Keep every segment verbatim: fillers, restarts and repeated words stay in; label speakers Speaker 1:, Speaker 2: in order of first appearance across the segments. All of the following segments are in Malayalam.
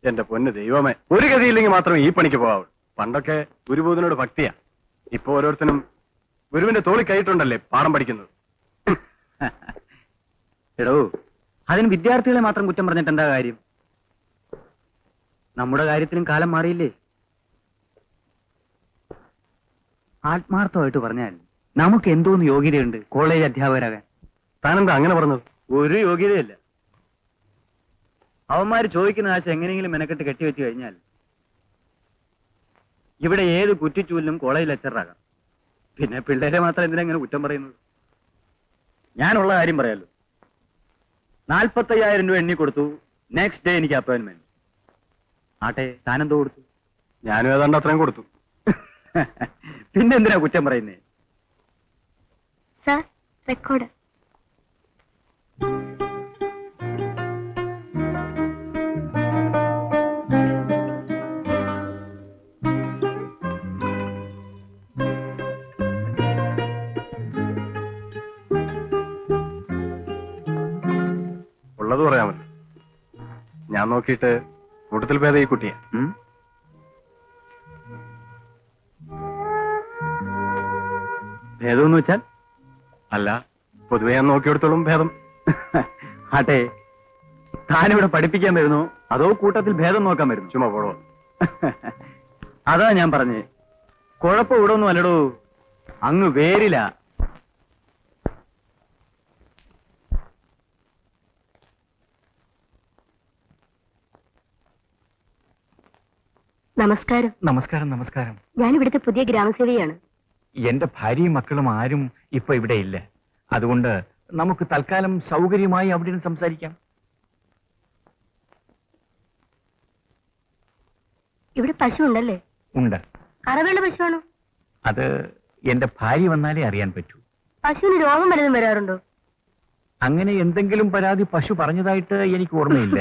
Speaker 1: എന്റെ പൊന്ന് ദൈവമേ, ഒരു ഗതിയില്ലെങ്കിൽ മാത്രമേ ഈ പണിക്ക് പോകാവൂ. പണ്ടൊക്കെ ഗുരുബോധനോട് ഭക്തിയാ. ഇപ്പൊ ഓരോരുത്തരും ഗുരുവിന്റെ തോളി കൈയിട്ടുണ്ടല്ലേ പാഠം പഠിക്കുന്നത്.
Speaker 2: എടോ, അതിന് വിദ്യാർത്ഥികളെ മാത്രം കുറ്റം പറഞ്ഞിട്ട് എന്താ കാര്യം? നമ്മുടെ കാര്യത്തിലും കാലം മാറിയില്ലേ? ആത്മാർത്ഥമായിട്ട് പറഞ്ഞാൽ നമുക്ക് എന്തോന്ന് യോഗ്യതയുണ്ട് കോളേജ് അധ്യാപകരാകാൻ?
Speaker 1: താനെന്താ അങ്ങനെ പറഞ്ഞത്?
Speaker 2: ഒരു യോഗ്യതയില്ല. അവന്മാര് ചോദിക്കുന്ന ആശ എങ്ങനെയെങ്കിലും മെനക്കെട്ട് കെട്ടിവെച്ച് കഴിഞ്ഞാൽ ഇവിടെ ഏത് കുറ്റിച്ചൂലിനും കോളേജ് ലെക്ചറാകാം. പിന്നെ പിള്ളേരെ മാത്രം എന്തിനാ ഇങ്ങനെ കുറ്റം പറയുന്നത്? ഞാനുള്ള കാര്യം പറയാലോ. നാൽപ്പത്തയ്യായിരം രൂപ എണ്ണി കൊടുത്തു. നെക്സ്റ്റ് ഡേ എനിക്ക് അപ്പോയിന്റ്മെന്റ്. ആട്ടെ, താനെന്തോ കൊടുത്തു?
Speaker 1: ഞാനും ഏതാണ്ട് അത്രയും കൊടുത്തു.
Speaker 2: പിന്നെ എന്തിനാ കുറ്റം പറയുന്നേ?
Speaker 3: Sir, record.
Speaker 1: ഉള്ളത് പറയാമല്ലോ. ഞാൻ നോക്കിയിട്ട് കൂട്ടത്തിൽ ഭേദം ഈ കുട്ടിയാ.
Speaker 2: ഭേദമെന്ന് വെച്ചാൽ?
Speaker 1: അല്ല, പൊതുവെ ഞാൻ നോക്കിയെടുത്തോളും ഭേദം.
Speaker 2: ആട്ടെ, താനിവിടെ പഠിപ്പിക്കാൻ വരുന്നു അതോ കൂട്ടത്തിൽ ഭേദം നോക്കാൻ വരുന്നു?
Speaker 1: ചുമ്മാ പോടോ.
Speaker 2: അതാ ഞാൻ പറഞ്ഞേ, കുഴപ്പം ഇവിടെ ഒന്നും അല്ലടോ, അങ്ങ് വേരില.
Speaker 3: നമസ്കാരം.
Speaker 4: നമസ്കാരം. നമസ്കാരം.
Speaker 3: ഞാൻ ഇവിടുത്തെ പുതിയ ഗ്രാമസേവയാണ്.
Speaker 4: എന്റെ ഭാര്യയും മക്കളും ആരും ഇപ്പൊ ഇവിടെ ഇല്ല. അതുകൊണ്ട് നമുക്ക് തൽക്കാലം സൗകര്യമായി അവിടെ നിന്ന് സംസാരിക്കാം.
Speaker 3: ഇവിടെ പശു ഉണ്ടല്ലേ?
Speaker 4: ഉണ്ട്.
Speaker 3: കറവേണ്ട പശുവാണോ?
Speaker 4: അത് എന്റെ ഭാര്യ വന്നാലേ അറിയാൻ പറ്റൂ.
Speaker 3: പശുവിന് രോഗം വല്ലതും വരാറുണ്ടോ?
Speaker 4: അങ്ങനെ എന്തെങ്കിലും പരാതി പശു പറഞ്ഞതായിട്ട് എനിക്ക് ഓർമ്മയില്ല.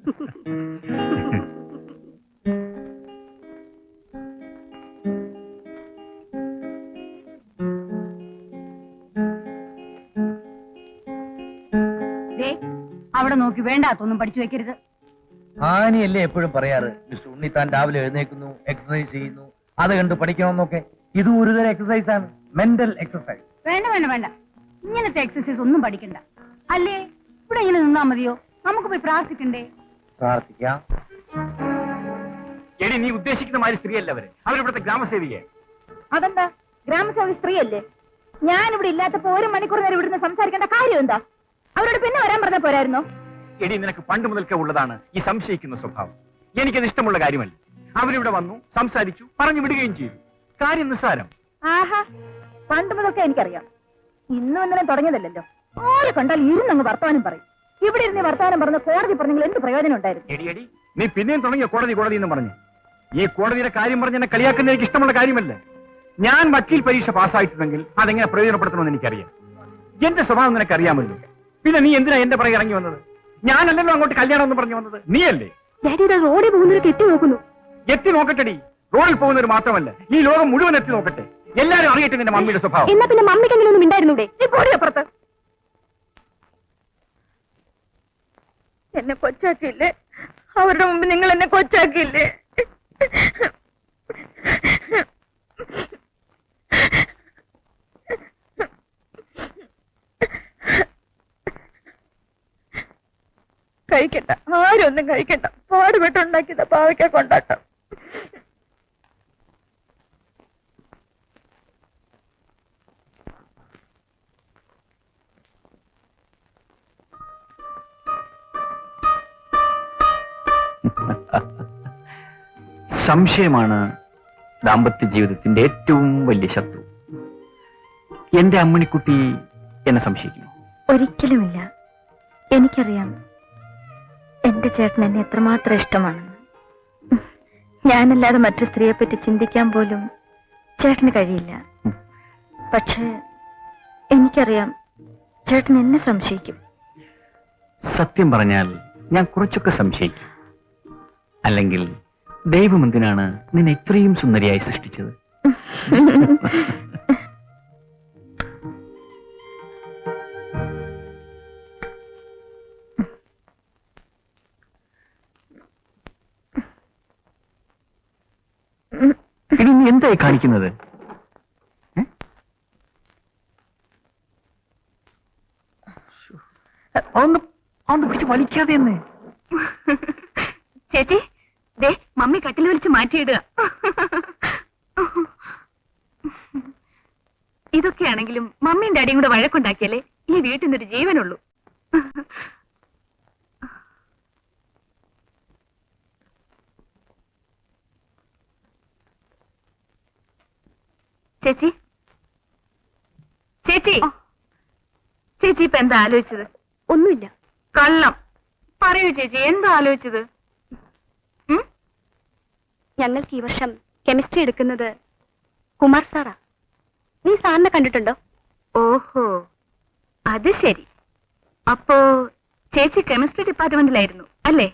Speaker 5: അവിടെ നോക്കി വേണ്ടാത്തൊന്നും പഠിച്ചു വെക്കരുത്.
Speaker 6: ആനിയല്ലേ എപ്പോഴും പറയാറ്, മിസ്റ്റർ ഉണ്ണിത്താൻ രാവിലെ എഴുന്നേക്കുന്നു, എക്സസൈസ് ചെയ്യുന്നു, അത് കണ്ട് പഠിക്കണമെന്നൊക്കെ. ഇത് ഒരുതരം എക്സസൈസ് ആണ്, മെന്റൽ എക്സസൈസ്.
Speaker 5: വേണ്ട വേണ്ട വേണ്ട, ഇങ്ങനത്തെ എക്സസൈസ് ഒന്നും പഠിക്കണ്ട. അല്ലേ, ഇവിടെ ഇങ്ങനെ നിന്നാ മതിയോ? നമുക്ക് പോയി പ്രാർത്ഥിക്കണ്ടേ?
Speaker 6: പ്രാർത്ഥിക്കാം.
Speaker 4: എടി, നീ ഉദ്ദേശിക്കുന്ന മാതിരി സ്ത്രീയല്ല അവര്. അവരിവിടുത്തെ ഗ്രാമസേവികയെ.
Speaker 5: അതെന്താ, ഗ്രാമസേവക സ്ത്രീയല്ലേ? ഞാൻ ഇവിടെ ഇല്ലാത്തപ്പോ ഒരു മണിക്കൂർ നേരം ഇവിടുന്ന് സംസാരിക്കേണ്ട കാര്യം എന്താ? അവരോട് പിന്നെ വരാൻ പറഞ്ഞ പോരായിരുന്നോ?
Speaker 4: എടി, നിനക്ക് പണ്ട് മുതൽക്കേ ഉള്ളതാണ് ഈ സംശയിക്കുന്ന സ്വഭാവം. എനിക്കത് ഇഷ്ടമുള്ള കാര്യമല്ല. അവരിവിടെ വന്നു, സംസാരിച്ചു, പറഞ്ഞു വിടുകയും ചെയ്തു. കാര്യം നിസ്സാരം.
Speaker 5: ആഹാ, പണ്ട് മുതൽക്കേ എനിക്കറിയാം. ഇന്നും ഇന്നലെ തുടങ്ങിയതല്ലോ. ആരെ കണ്ടാൽ ഇരുന്നങ്ങ് വർത്തമാനം പറയും. ഇവിടെ ഇരുന്ന് വർത്തമാനം പറഞ്ഞ് കോടതി പറഞ്ഞെങ്കിൽ എന്ത് പ്രയോജനം ഉണ്ടായിരുന്നു?
Speaker 4: എടി എടി, നീ പിന്നെയും തുടങ്ങിയ കോടതി കോടതി എന്ന് പറഞ്ഞു. ഈ കോടതിയുടെ കാര്യം പറഞ്ഞ് എന്നെ കളിയാക്കുന്ന എനിക്ക് ഇഷ്ടമുള്ള കാര്യമല്ല. ഞാൻ വക്കീൽ പരീക്ഷ പാസ്സായിട്ടുണ്ടെങ്കിൽ അതെങ്ങനെ പ്രയോജനപ്പെടുത്തണമെന്ന് എനിക്കറിയാം. എന്റെ സ്വഭാവം നിനക്കറിയാമല്ലോ. പിന്നെ നീ എന്തിനാ എന്റെ പുറകെ ഇറങ്ങി വന്നത്? ഞാനല്ലല്ലോ അങ്ങോട്ട് കല്യാണം എന്ന് പറഞ്ഞു വന്നത്, നീയല്ലേ?
Speaker 3: റോഡിൽ പോകുന്നവരൊക്കെ എത്തി നോക്കുന്നു.
Speaker 4: എത്തി നോക്കട്ടെടി. റോഡിൽ പോകുന്നവർ മാത്രമല്ല, ഈ ലോകം മുഴുവൻ എത്തി നോക്കട്ടെ. എല്ലാരും അറിയട്ടെ നിന്റെ മമ്മിയുടെ സ്വഭാവം.
Speaker 3: എന്നാ പിന്നെ മമ്മിക്കെങ്കിലും ഒന്നും ഉണ്ടായിരുന്നൂടെ? അപ്പുറത്ത്
Speaker 5: എന്നെ കൊച്ചാക്കിയില്ലേ? അവരുടെ മുമ്പ് നിങ്ങൾ എന്നെ കൊച്ചാക്കിയില്ലേ? കഴിക്കണ്ട, ആരും ഒന്നും കഴിക്കണ്ട. പാടുപെട്ടുണ്ടാക്കിയത പാവയ്ക്ക കൊണ്ടാട്ടം.
Speaker 4: സംശയമാണ് ദാമ്പത്യ ജീവിതത്തിന്റെ ഏറ്റവും വലിയ ശത്രു. എന്റെ അമ്മണിക്കുട്ടി എന്നെ സംശയിക്കുന്നു?
Speaker 3: ഒരിക്കലുമില്ല. എനിക്കറിയാം എന്റെ ചേട്ടൻ എന്നെ എത്രമാത്രം ഇഷ്ടമാണെന്ന്. ഞാനല്ലാതെ മറ്റു സ്ത്രീയെ പറ്റി ചിന്തിക്കാൻ പോലും ചേട്ടന് കഴിയില്ല. പക്ഷേ എനിക്കറിയാം ചേട്ടൻ എന്നെ സംശയിക്കും.
Speaker 4: സത്യം പറഞ്ഞാൽ ഞാൻ കുറച്ചൊക്കെ സംശയിക്കും. അല്ലെങ്കിൽ ദൈവം എന്തിനാണ് നിന്നെ ഇത്രയും സുന്ദരിയായി സൃഷ്ടിച്ചത്? എന്തായി കാണിക്കുന്നത്? ഒന്ന് ഒന്ന് പിടിച്ച് വലിക്കാതെ എന്ന്.
Speaker 5: ചേച്ചി ദേ മമ്മി കട്ടിൽ വലിച്ച് മാറ്റിയിടുക. ഇതൊക്കെയാണെങ്കിലും മമ്മിയും ഡാഡിയും കൂടെ വഴക്കുണ്ടാക്കിയാലേ ഈ വീട്ടിൽ നിന്നൊരു ജീവനുള്ളൂ. ചേച്ചി ചേച്ചി ചേച്ചി ഇപ്പൊ എന്താ ആലോചിച്ചത്? ഒന്നുമില്ല. കള്ളം പറയൂ ചേച്ചി, എന്താ ആലോചിച്ചത്?
Speaker 3: ഞങ്ങൾക്ക് ഈ വർഷം കെമിസ്ട്രി എടുക്കുന്നത് കുമാർ സാറാ. നീ സാറിനെ കണ്ടിട്ടുണ്ടോ?
Speaker 5: ഓഹോ, അത് ശരി. അപ്പോ ചേച്ചി കെമിസ്ട്രി ഡിപ്പാർട്ട്മെന്റിലായിരുന്നു അല്ലേ?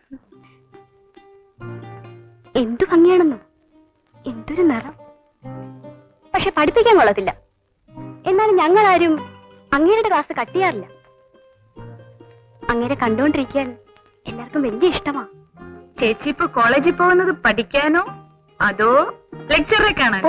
Speaker 3: എന്തു ഭംഗിയാണെന്നോ, എന്തൊരു നിറം. പക്ഷെ പഠിപ്പിക്കാൻ കൊള്ളത്തില്ല. എന്നാലും ഞങ്ങളാരും അങ്ങേരുടെ ക്ലാസ് കട്ട് ചെയ്യാറില്ല. അങ്ങേരെ കണ്ടുകൊണ്ടിരിക്കാൻ എല്ലാവർക്കും വലിയ ഇഷ്ടമാ.
Speaker 5: ചേച്ചി ഇപ്പൊ കോളേജിൽ പോകുന്നത് പഠിക്കാനോ അതോ ലെക്ചറെ കാണാൻ?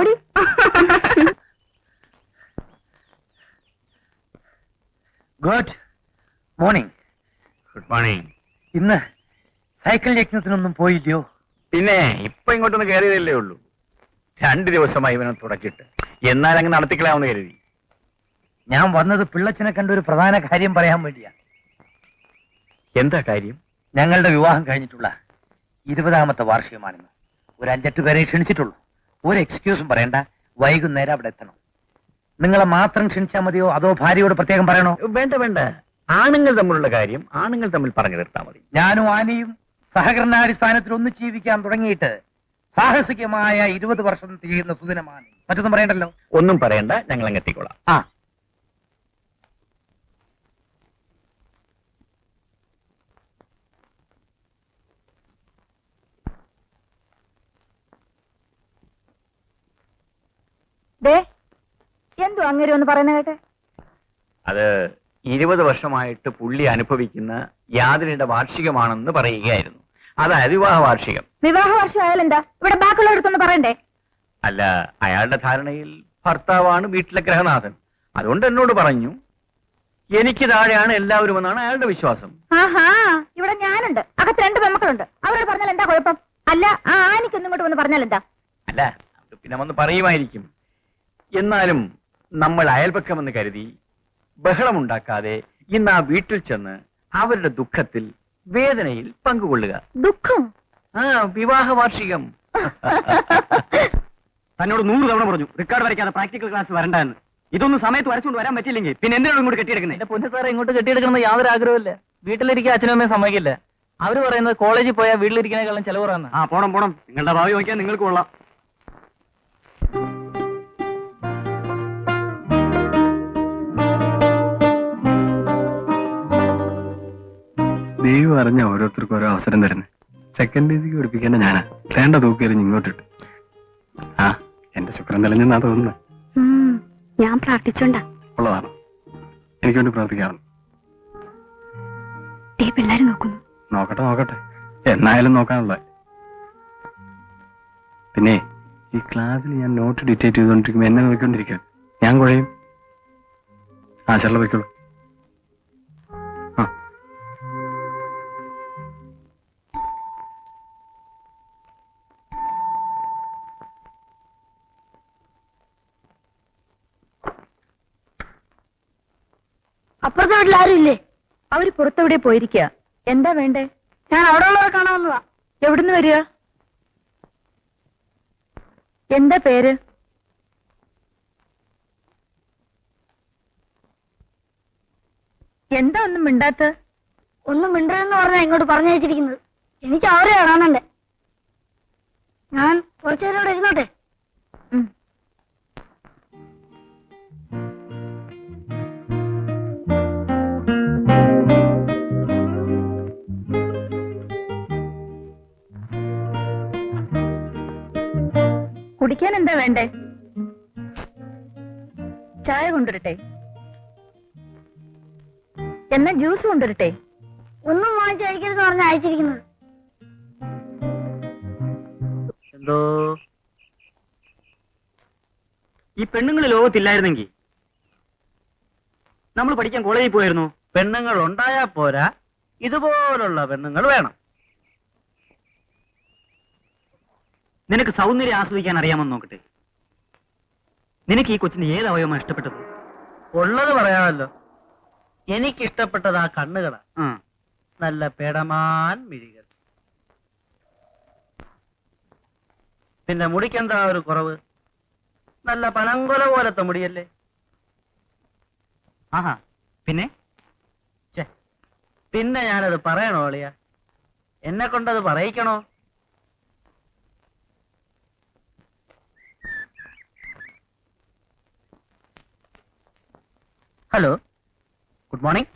Speaker 6: Good morning.
Speaker 4: Good morning.
Speaker 6: ഇന്ന് സൈക്കിൾ യജ്ഞത്തിനൊന്നും പോയില്ലയോ?
Speaker 4: പിന്നെ ഇപ്പൊ ഇങ്ങോട്ടൊന്ന് കയറിയതല്ലേ ഉള്ളൂ. രണ്ടു ദിവസമായി ഇവനെ തുടച്ചിട്ട്, എന്നാൽ അങ്ങ് നടത്തിക്കളാമെന്ന് കരുതി.
Speaker 6: ഞാൻ വന്നത് പിള്ളച്ചനെ കണ്ട ഒരു പ്രധാന കാര്യം പറയാൻ വേണ്ടിയാ.
Speaker 4: എന്താ കാര്യം?
Speaker 6: ഞങ്ങളുടെ വിവാഹം കഴിഞ്ഞിട്ടുള്ള ഇരുപതാമത്തെ വാർഷികമാണെന്ന്. ഒരു അഞ്ചെട്ട് പേരെ ക്ഷണിച്ചിട്ടുള്ളൂ. ഒരു എക്സ്ക്യൂസും പറയണ്ട, വൈകുന്നേരം അവിടെ എത്തണം. നിങ്ങളെ മാത്രം ക്ഷണിച്ചാൽ മതിയോ അതോ ഭാര്യയോട് പ്രത്യേകം പറയണോ?
Speaker 4: വേണ്ട വേണ്ട, ആണുങ്ങൾ തമ്മിലുള്ള കാര്യം ആണുങ്ങൾ തമ്മിൽ പറഞ്ഞു തീർത്താൽ മതി.
Speaker 6: ഞാനും ആനയും സഹകരണാടിസ്ഥാനത്തിൽ ഒന്നിച്ച് ജീവിക്കാൻ തുടങ്ങിയിട്ട് സാഹസികമായ ഇരുപത് വർഷം തികയുന്ന സുദിനമാണ്. മറ്റൊന്നും പറയണ്ടല്ലോ.
Speaker 4: ഒന്നും പറയണ്ട, ഞങ്ങൾ അങ്ങ് എത്തിക്കോളാം.
Speaker 6: ആ
Speaker 5: ദേ എന്തോ അങ്ങനെ ഒന്ന് പറയുന്ന കേട്ടെ.
Speaker 4: അത് ഇരുപത് വർഷമായിട്ട് പുള്ളി അനുഭവിക്കുന്ന യാതനയുടെ വാർഷികമാണെന്ന് പറയുകയായിരുന്നു. അതായത് വിവാഹ വാർഷികം.
Speaker 5: വിവാഹ വർഷം ആയാലെന്താ, ഇവിടെ ബാക്കിയുള്ള അടുത്തൊന്ന് പറയണ്ടേ?
Speaker 4: അല്ല, അയാളുടെ ധാരണയിൽ ഭർത്താവാണ് വീട്ടിലെ ഗ്രഹനാഥൻ. അതുകൊണ്ട് എന്നോട് പറഞ്ഞു, എനിക്ക് താഴെയാണ് എല്ലാവരും എന്നാണ് അയാളുടെ വിശ്വാസം.
Speaker 5: ആഹാ, ഇവിടെ ഞാനുണ്ട്, അകത്ത് രണ്ട് പെമ്മക്കളുണ്ട്. അവരോട് പറഞ്ഞാൽ എന്താ കുഴപ്പം? അല്ല, ആ ആനിക്കൊന്നും ഇങ്ങോട്ട് വന്ന് പറഞ്ഞാൽ എന്താ?
Speaker 4: അല്ല, അത് പിന്നെ വന്ന് പറയുമായിരിക്കും. എന്നാലും നമ്മൾ അയൽപക്കമെന്ന് കരുതി ബഹളമുണ്ടാക്കാതെ ഇന്ന് ആ വീട്ടിൽ ചെന്ന് അവരുടെ ദുഃഖത്തിൽ വേദനയിൽ പങ്കുകൊള്ളുക.
Speaker 5: ദുഃഖം?
Speaker 4: ആ, വിവാഹ വാർഷികം.
Speaker 2: തന്നോട് നൂറ് തവണ പറഞ്ഞു റിക്കാർഡ് വരയ്ക്കാതെ പ്രാക്ടിക്കൽ ക്ലാസ് വരണ്ടെന്ന്. ഇതൊന്നും സമയത്ത് വരച്ചുകൊണ്ട് വരാൻ പറ്റില്ലെങ്കിൽ പിന്നെ എന്തിനാണ് ഇങ്ങോട്ട് കെട്ടിയെടുക്കുന്നത്?
Speaker 7: എന്റെ പൊന്നു സാറേ, ഇങ്ങോട്ട് കെട്ടിയെടുക്കണമെന്ന് യാതൊരു ആഗ്രഹമില്ല. വീട്ടിലിരിക്കാൻ അച്ഛനും അമ്മയും സമ്മതിക്കില്ല. അവര് പറയുന്നത് കോളേജിൽ പോയാൽ വീട്ടിലിരിക്കുന്നതിനേക്കാളും ചെലവ് കുറവാണ്.
Speaker 2: ആ പോണം പോണം, നിങ്ങളുടെ ഭാവി നോക്കിയാൽ നിങ്ങൾക്ക് കൊള്ളാം.
Speaker 1: ദൈവം അറിഞ്ഞ ഓരോരുത്തർക്കും ഓരോ അവസരം തരുന്നത്. സെക്കൻഡ് ഡേസിക്ക് പഠിപ്പിക്കേണ്ട ഞാനാ വേണ്ട തൂക്കിയെറിഞ്ഞ് ഇങ്ങോട്ടിട്ട്. ആ, എന്റെ ശുക്രൻ തെളിഞ്ഞെന്നാ തോന്നുന്നത്.
Speaker 3: ഞാൻ പ്രാർത്ഥിച്ചോണ്ടാ.
Speaker 1: ഉള്ളതാണ്, എനിക്ക് വേണ്ടി പ്രാർത്ഥിക്കാറുണ്ട്.
Speaker 3: പിള്ളേര് നോക്കുന്നു.
Speaker 1: നോക്കട്ടെ നോക്കട്ടെ, എന്നായാലും നോക്കാനുള്ള. പിന്നെ ഈ ക്ലാസ്സിൽ ഞാൻ നോട്ട് ഡിറ്റേറ്റ് ചെയ്തുകൊണ്ടിരിക്കുമ്പോ എന്നെ നോക്കിക്കൊണ്ടിരിക്കുക, ഞാൻ കുഴയും. ആ ചെള്ള വയ്ക്കുള്ളൂ. ആ
Speaker 5: അപ്പുറത്തെ വീട്ടിൽ ആരും ഇല്ലേ? അവര് പുറത്തെവിടെ പോയിരിക്കുക. എന്താ വേണ്ടേ? ഞാൻ അവിടെ ഉള്ളവരെ കാണാൻ വന്നതാ. എവിടുന്ന് വരിക? എന്താ പേര്? എന്താ ഒന്നും മിണ്ടാത്ത? ഒന്നും മിണ്ടെന്ന് പറഞ്ഞാ ഇങ്ങോട്ട് പറഞ്ഞു വെച്ചിരിക്കുന്നത്. എനിക്ക് അവരെ കാണാനുണ്ട്. ഞാൻ കുറച്ചു നേരം ഇവിടെ ഇരുന്നോട്ടെ. കുടിക്കാൻ എന്താ വേണ്ടേ? ചായ കൊണ്ടുവരട്ടെ? എന്നാ ജ്യൂസ് കൊണ്ടുവരട്ടെ? ഒന്നും വാങ്ങിച്ചയക്കരുതെന്ന് പറഞ്ഞ അയച്ചിരിക്കുന്നത്.
Speaker 7: എന്തോ
Speaker 2: ഈ പെണ്ണുങ്ങൾ ലോകത്തില്ലായിരുന്നെങ്കിൽ നമ്മൾ പഠിക്കാൻ കോളേജിൽ പോയിരുന്നു.
Speaker 6: പെണ്ണുങ്ങൾ ഉണ്ടായാ പോരാ, ഇതുപോലുള്ള പെണ്ണുങ്ങൾ വേണം.
Speaker 2: നിനക്ക് സൗന്ദര്യം ആസ്വദിക്കാൻ അറിയാമെന്ന് നോക്കട്ടെ. നിനക്ക് ഈ കൊച്ചിന് ഏത് അവയവമാണ് ഇഷ്ടപ്പെട്ടത്?
Speaker 6: ഉള്ളത് പറയാമല്ലോ, എനിക്കിഷ്ടപ്പെട്ടത് ആ കണ്ണുകളാ.
Speaker 2: ആ,
Speaker 6: നല്ല പേടമാൻ മിഴികൾ. പിന്നെ മുടിക്കെന്താ ഒരു കുറവ്? നല്ല പനങ്കൊല പോലത്തെ മുടിയല്ലേ.
Speaker 2: ആഹാ, പിന്നെ
Speaker 6: ഛെ, പിന്നെ ഞാനത് പറയണോ അളിയ? എന്നെ കൊണ്ടത് പറയിക്കണോ?
Speaker 2: Hello, good morning.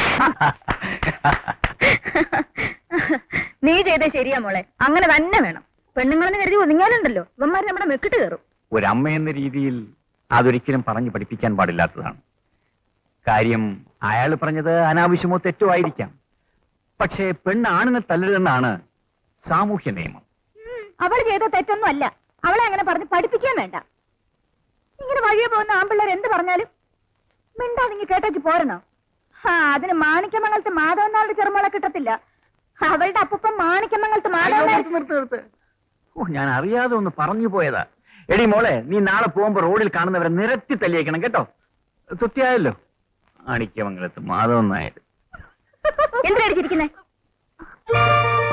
Speaker 5: നീ ചെയ്തേ ശരിയാ മോളെ, അങ്ങനെ തന്നെ വേണം. പെണ്ണുങ്ങളെന്ന് കരുതി ഒതുങ്ങാനുണ്ടല്ലോ, ഇവന്മാര് നമ്മുടെ മെക്കിട്ട് കയറും.
Speaker 4: ഒരമ്മ എന്ന രീതിയിൽ അതൊരിക്കലും പറഞ്ഞു പഠിപ്പിക്കാൻ പാടില്ലാത്തതാണ്. കാര്യം അയാൾ പറഞ്ഞത് അനാവശ്യമോ തെറ്റോ ആയിരിക്കാം. പക്ഷേ പെണ്ണ് ആണിനെ തല്ലരുതെന്നാണ് സാമൂഹ്യ നിയമം.
Speaker 5: അവൾ ചെയ്ത തെറ്റൊന്നും അല്ല. അവളെ അങ്ങനെ പറഞ്ഞ് പഠിപ്പിക്കാൻ വേണ്ട. ഇങ്ങനെ വഴിയെ പോകുന്ന ആമ്പിള്ളേർ എന്ത് പറഞ്ഞാലും മിണ്ടാതിങ്ങി കേട്ടേച്ച് പോരണോ? ആ, അതിന് മാണിക്യമംഗലത്ത് മാധവനാളുടെ ചെറുമോളെ കിട്ടത്തില്ല. അവളുടെ അപ്പൂപ്പൻ മാണിക്യമംഗലത്ത് മാധവനാൾ.
Speaker 4: നിർത്ത് നിർത്ത്. ഓ, ഞാൻ അറിയാതെ ഒന്ന് പറഞ്ഞു പോയതാ. എടി മോളെ, നീ നാളെ പോകുമ്പോ റോഡിൽ കാണുന്നവരെ നിരത്തി തല്ലിയേക്കണം കേട്ടോ. തൃപ്തിയായല്ലോ? മാണിക്യമംഗലത്ത് മാധവൻ നായർ.
Speaker 5: എന്തിനാ അടിച്ചിരിക്കുന്നേ?